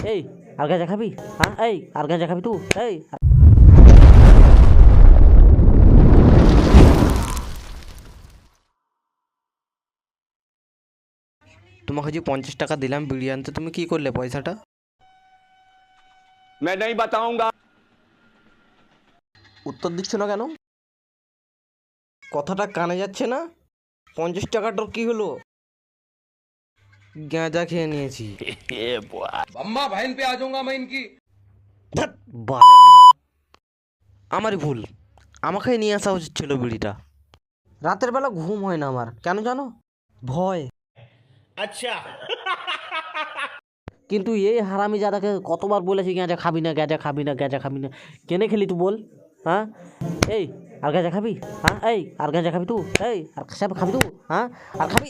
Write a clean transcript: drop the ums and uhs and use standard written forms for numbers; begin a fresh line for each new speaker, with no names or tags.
এই আর গাঁজা খাবি? হ্যাঁ এই আর গাঁজা খাবি তুই? এই
তোমাকে যে 50 টাকা দিলাম বিড়ি আনতে, তুমি কি করলে পয়সাটা?
मैं नहीं बताऊंगा।
উত্তর দিচ্ছ না কেন? কথাটা কানে যাচ্ছে না? 50 টাকাটার কি হলো? গাঁজা খেয়ে নিয়েছি।
अम्मा बहन पे आ जाऊंगा मैं इनकी।
ধ্যাৎ, বালের ভাত। আমারই ভুল, আমাকে নিয়ে আসা উচিত ছিল বিড়িটা। রাতের বেলা ঘুম হয় না আমার, কেন জানো? ভয়।
अच्छा।
কিন্তু এই হারামি জাদাকে কতবার বলেছি গাঁজা খাবি না, গাঁজা খাবি না, গাঁজা খাবি না, কেনে খেলি তুই বল? হ্যাঁ এই আর গাঁজা খাবি? হ্যাঁ এই আর গাঁজা খাবি তুই? এই আর সব খাবি তুই? হ্যাঁ আর খাবি?